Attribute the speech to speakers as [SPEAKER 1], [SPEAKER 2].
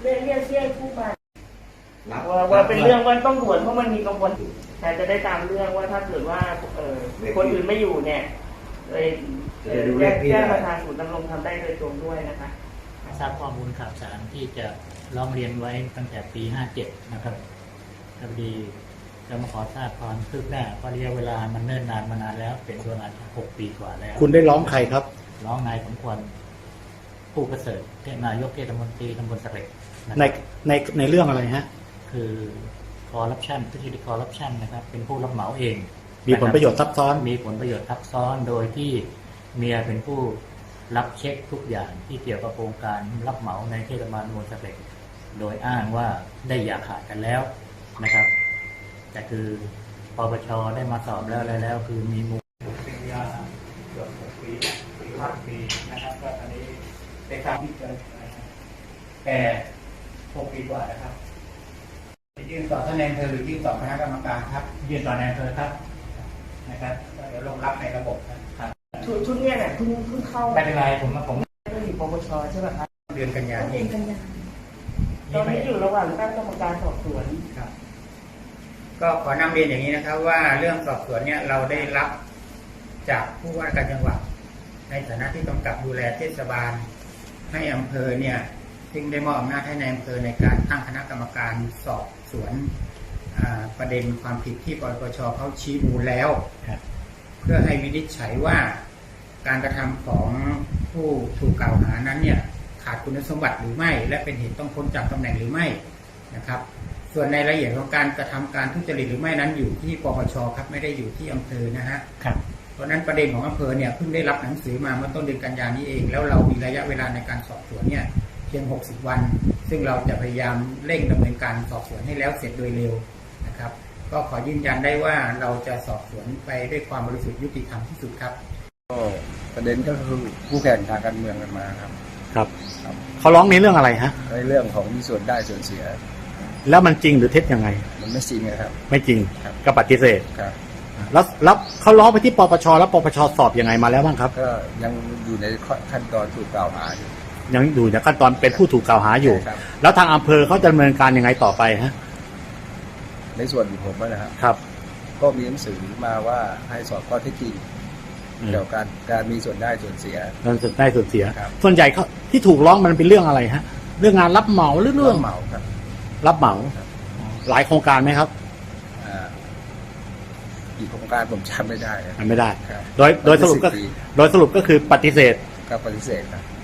[SPEAKER 1] เรียกผู้มาว่าเป็นเรื่องว่าต้องด่วนเพราะมันมีกระบวนการจะได้ตามเรื่องว่าถ้าเกิดว่าคนอื่นไม่อยู่เนี่ยเลยแจ้งมาทางศูนย์ดำรงธรรมได้โดยตรงด้วยนะคะ
[SPEAKER 2] ทราบข้อมูลข่าวสารที่จะร้องเรียนไว้ตั้งแต่ปี 57 นะครับพอดีจะมาขอทราบความคืบหน้าเพราะระยะเวลามันเนิ่นนานมานานแล้วเป็นประมาณ6 ปีกว่าแล้ว
[SPEAKER 3] คุณได้ร้องใครครับ
[SPEAKER 2] ร้องนายสมควรผู้ประเสริฐนายกเทศมนตรีตำบลสะเร็ด
[SPEAKER 3] ในเรื่องอะไรฮะ
[SPEAKER 2] คือคอร์รัปชันทุจริตคอร์รัปชันนะครับเป็นผู้รับเหมาเอง
[SPEAKER 3] มีผลประโยชน์ซับซ้อน
[SPEAKER 2] มีผลประโยชน์ซับซ้อนโดยที่เมียเป็นผู้รับเช็คทุกอย่างที่เกี่ยวกับโครงการรับเหมาในเทศบาลตำบลสะเร็ดโดยอ้างว่าได้อย่าขาดกันแล้วนะครับแต่คือปปช.ได้มาสอบแล้วอะไรแล้วคือมีมูลเป็นยาเกือบ6 ปี5 ปีนะครับก็อันนี้เป็นการที่เกิดแต่6 ปีกว่านะครับ
[SPEAKER 4] ยื่นต่อท่านนายอำเภอหรือยื่นต่อคณะกรรมการครับ
[SPEAKER 2] ยื่นต่อนายอำเภอครับนะครับ
[SPEAKER 4] เดี๋ยวลงรับในระบบ
[SPEAKER 1] ครับชุดเนี้ยเนี่ยเพิ่งเข้า
[SPEAKER 2] ไม่เป็นไรผม
[SPEAKER 1] ก็อยู่ปปช.ใช่ไหมครับ
[SPEAKER 4] เดือนกันยายน
[SPEAKER 1] ตอนนี้อยู่ระหว่างตั้งกรรมการสอบสวน
[SPEAKER 4] ครับก็ขอนำเรียนอย่างนี้นะครับว่าเรื่องสอบสวนเนี่ยเราได้รับจากผู้ว่าการจังหวัดในฐานะที่กำกับดูแลเทศบาลให้อำเภอเนี่ยซึ่งได้มอบอำนาจให้ในอำเภอในการตั้งคณะกรรมการสอบสวนประเด็นความผิดที่ปปช.เขาชี้มูลแล้วเพื่อให้วินิจฉัยว่าการกระทำของผู้ถูกกล่าวหานั้นเนี่ยขาดคุณสมบัติหรือไม่และเป็นเหตุต้องพ้นจากตำแหน่งหรือไม่นะครับส่วนในรายละเอียดของการกระทำการทุจริตหรือไม่นั้นอยู่ที่ปปช.ครับไม่ได้อยู่ที่อำเภอนะฮะเพราะนั้นประเด็นของอำเภอเนี่ยเพิ่งได้รับหนังสือมาเมื่อต้นเดือนกันยายนนี้เองแล้วเรามีระยะเวลาในการสอบสวนเนี่ยเพียง60 วันซึ่งเราจะพยายามเร่งดำเนินการสอบสวนให้แล้วเสร็จโดยเร็วนะครับก็ขอยืนยันได้ว่าเราจะสอบสวนไปด้วยความบริสุทธิ์ยุติธรรมที่สุดครับ
[SPEAKER 5] ก็ประเด็นก็คือผู้แข่งทางการเมืองกันมาครับ
[SPEAKER 3] เขาร้องในเรื่องอะไรฮะ
[SPEAKER 5] ในเรื่องของมีส่วนได้ส่วนเสีย
[SPEAKER 3] แล้วมันจริงหรือเท็จยังไง
[SPEAKER 5] มันไม่จริงครับ
[SPEAKER 3] ไม่จริงก็ปฏิเสธ
[SPEAKER 5] ครับ
[SPEAKER 3] แล้วเขาร้องไปที่ปปช.แล้วปปช.สอบยังไงมาแล้วบ้างครับ
[SPEAKER 5] ก็ยังอยู่ในขั้นตอนถูกกล่าวหาอยู่
[SPEAKER 3] ยังอยู่ในขั้นตอนเป็นผู้ถูกกล่าวหาอยู่แล้วทางอำเภอเขาจะดำเนินการยังไงต่อไปฮะ
[SPEAKER 5] ในส่วนของผมนะครับก็มีหนังสือมาว่าให้สอบข้อเท็จจริงเกี่ยวกับการมีส่วนได้ส่วนเสีย
[SPEAKER 3] ส่วนใหญ่เขาที่ถูกร้องมันเป็นเรื่องอะไรฮะเรื่องงานรับเหมาหรือเรื่อง
[SPEAKER 5] เหมาครับ
[SPEAKER 3] รับเหมาหลายโครงการไหมครับ
[SPEAKER 5] อีกโครงการผมจำไม่ได้
[SPEAKER 3] โดยสรุปก็คือปฏิเสธ
[SPEAKER 5] ครับปฏิเสธครับ